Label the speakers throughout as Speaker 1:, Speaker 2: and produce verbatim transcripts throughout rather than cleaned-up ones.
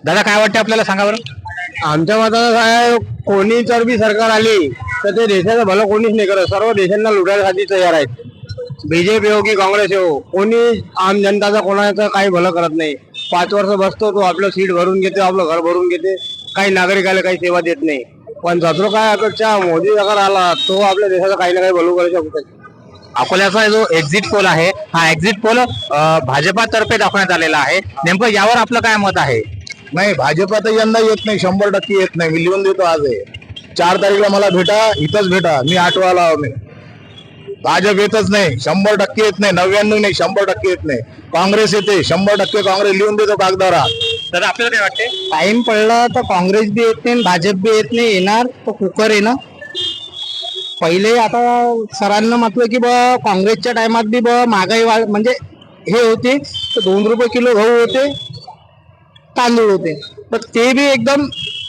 Speaker 1: दादा काय वाटतं आपल्याला सांगा बरं।
Speaker 2: आमच्या मतानं काय, कोणी जर बी सरकार आली तर ते देशाचं भलं कोणीच नाही करत, सर्व देशांना लुटायसाठी तयार आहेत। बीजेपी हो की काँग्रेस हो, कोणी आम जनताचा कोणाचं काही भलं करत नाही। पाच वर्ष बसतो तो, आपलं सीट भरून घेते, आपलं घर भरून घेते, काही नागरिकाला काही सेवा देत नाही। पण जातो काय अपेक्षा, मोदी अगर आला तो आपल्या देशाचं काही ना काही भलं करू शकतो।
Speaker 1: अकोल्याचा जो एक्झिट पोल आहे, हा एक्झिट पोल भाजपातर्फे दाखवण्यात आलेला आहे, नेमकं यावर आपलं काय मत आहे?
Speaker 3: नाही, भाजपा तर यंदा येत नाही, शंभर टक्के येत नाही। मी लिहून देतो, आज आहे चार तारीखला, मला भेटा, इथंच भेटा, मी आठवाला आहो मी। भाजप येतच नाही, शंभर टक्के येत नाही, नव्याण्णव नाही, शंभर टक्के येत नाही। काँग्रेस येते, शंभर टक्के काँग्रेस, लिहून देतो कागदावर।
Speaker 1: तर आपल्याला काय वाटते?
Speaker 2: टाइम पडला तर काँग्रेस बी येत नाही, भाजप बी येत नाही, येणार तो कुकर आहे ना। पहिले आता सरांना म्हटलं की बा काँग्रेसच्या टायमात बी बा महागाई वाढ म्हणजे हे होते, तर दोन रुपये किलो गहू होते, तांदूळ होते, तर ते बी एकदम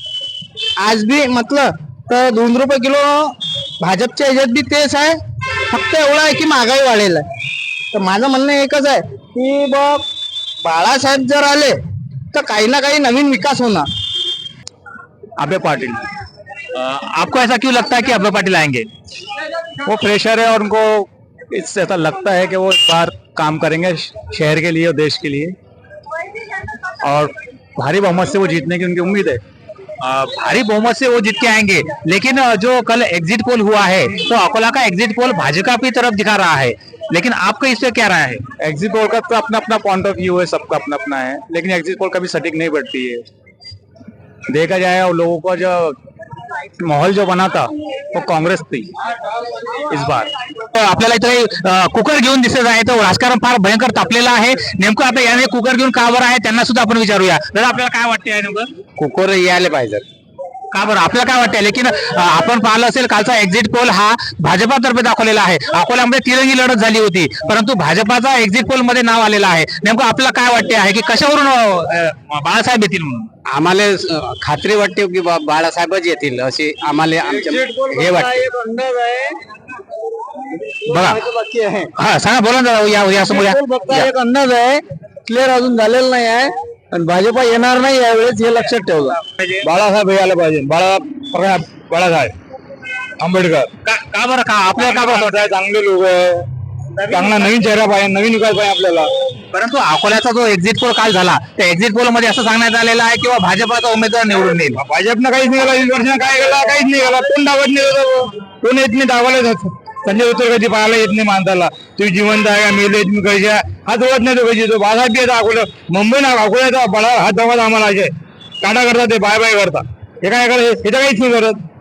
Speaker 2: आज बी म्हटलं तर दोन रुपये किलो भाजपच्या ह्याच्यात बी तेच आहे, फक्त एवढं आहे की महागाई वाढेल आहे। तर माझं म्हणणं एकच आहे की बा बाळासाहेब जर आले तर काही ना काही नवीन विकास होणार।
Speaker 1: अभय पाटिल, अ, आपको ऐसा क्यों लगता है कि अभय पाटिल आएंगे?
Speaker 4: वो प्रेशर है और उनको इससे ऐसा लगता है कि वो इस बार काम करेंगे शहर के लिए और देश के लिए, और भारी बहुमत से वो जीतने की उनकी उम्मीद है।
Speaker 1: अ, भारी बहुमत से वो जीत के आएंगे, लेकिन अ, जो कल एग्जिट पोल हुआ है तो अकोला का एग्जिट पोल भाजपा की तरफ दिखा रहा है, लेकिन आपका इस पे क्या राय है?
Speaker 4: एग्जिट पोल का तो अपना अपना पॉइंट ऑफ व्यू है, सबका अपना अपना है, लेकिन एग्जिट पोल कभी सटीक नहीं बैठती है। देखा जाए और लोगों का जो माहौल जो बना था वो कांग्रेस थी इस बार।
Speaker 1: तर आपल्याला इथे अ, कुकर घेऊन दिसत आहे, तर राजकारण फार भयंकर तापलेलं आहे। नेमकं आता याने कुकर घेऊन का बरं आहे, त्यांना सुद्धा आपण विचारूया। दादा आपल्याला काय वाटते आहे नेमकं?
Speaker 2: कुकर यायला पाहिजे।
Speaker 1: का बरं आपल्याला काय वाटतंय? लेकिन अ, आपण पाहिलं असेल कालचा एक्झिट पोल हा भाजपातर्फे दाखवलेला आहे। अकोल्यामध्ये तिरंगी लढत झाली होती, परंतु भाजपाचा एक्झिट पोल मध्ये नाव आलेलं आहे। नेमकं आपल्याला काय वाटते आहे की कशावरून अ, बाळासाहेब येतील म्हणून?
Speaker 2: आम्हाला खात्री वाटते की बा बाळासाहेबच येतील असे आम्हाला आमच्या हे वाटते।
Speaker 1: बघा, हा सांगा, बोला ना दादा, या या समोर या. या.
Speaker 2: एक अंदाज आहे, क्लिअर अजून झालेला नाही आहे, आणि भाजपा येणार नाही यावेळेस, हे लक्षात ठेवा।
Speaker 3: बाळासाहेब यायला पाहिजे, बाळा बाळासाहेब आंबेडकर।
Speaker 1: का का बरं, का आपल्याला का बरं असं वाटतं?
Speaker 3: चांगले लोक आहे, चांगला नवीन चेहरा पाहिजे, नवीन विकास पाहिजे आपल्याला।
Speaker 1: परंतु अकोल्याचा जो एक्झिट पोल काल झाला, त्या एक्झिट पोल मध्ये असं सांगण्यात आलेलं आहे किंवा भाजपाचा उमेदवार निवडून येईल।
Speaker 3: भाजपनं काहीच नाही केला, वीस वर्षानं काय केला, काहीच नाही केला, कोण दावत नाही, कोण येत नाही दावायला जात। संजय उत्तर कधी पाहायला येत नाही माणसाला, तुम्ही जिवंत आहे का मेले तुम्ही कशी, हात ओळत नाही तो कशी, तो बाळासाहेब येतात अकोला, मुंबई ना अकोल्याचा बळा हात दाखवत आम्हाला असे काटा करतात, ते बाय बाय करतात, हे काय करत, हे तर काहीच नाही करत।